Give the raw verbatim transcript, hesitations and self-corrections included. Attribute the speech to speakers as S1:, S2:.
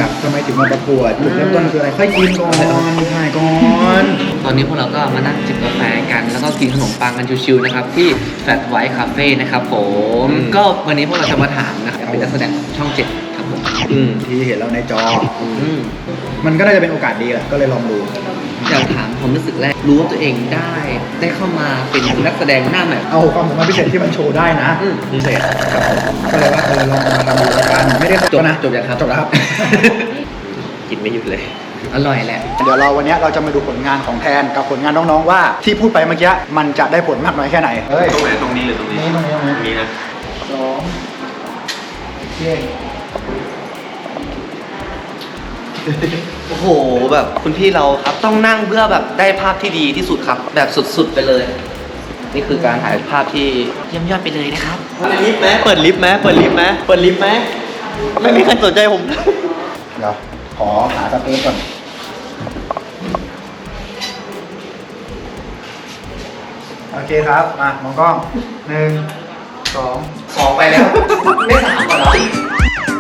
S1: อยากทำไมถึงมาประกวดจุดเริ่มต้นคืออะไรค่อยกินก่อนถ่ายก่อน
S2: ตอนนี้พวกเราก็มานั่งจิบกาแฟกันแล้วก็กินขนมปังกันชิวๆนะครับที่ Fat White Cafe นะครับผมก็วันนี้พวกเราจะมาถามนะครับเป็นนักแสดงช่องเจ็ดครับผม
S1: อืมที่เห็นเราในจอ
S2: อืม
S1: มันก็น่าจะเป็นโอกาสดีแหละก็เลยลองดู
S2: อยากถามความรู้สึกแรกรู้ว่าตัวเองได้ได้เข้ามาเป็นนักแสดงหน้าใหม่
S1: เอาความสามารถพิเศษที่มันโชว์ได้นะ
S2: อืมพิเศษ
S1: ก็เลยว่าเออลองมาทำดูแล้วกันไม่ได้
S2: จบ
S1: นะ
S2: จบยังครับ
S1: จบแล้วครับ
S2: กินไม่หยุดเลย อร่อยแหละ
S1: เดี๋ยวเราวันนี้เราจะมาดูผลงานของแทนกับผลงานน้องๆว่าที่พูดไปเมื่อกี้มันจะได้ผลมากน้อยแค่ไหนเฮ้ย
S3: ตรงไหนตรงนี้หรือตรงนี้
S1: นี่ตรงนี้ตรงนี้
S3: นี้นะ
S1: สองเย้
S2: โอ้โหแบบคุณพี่เราครับต้องนั่งเพื่อแบบได้ภาพที่ดีที่สุดครับ แบบสุดๆไปเลย นี่คือการถ่ายภาพที่เยี่ยมยอดไปเลยนะครับ
S3: เปิดลิฟต์ไหมเปิดลิฟต์ไหมเปิดลิฟต์ไหมเปิดลิฟต์ไหมไม่มีใครสนใจผม
S1: เดี๋ยวขอหาสเปซก่อนโอเคครับมามองกล้องหนึ่งสอง
S2: สองไปแล้ว ไม่สามก่อนเหรอ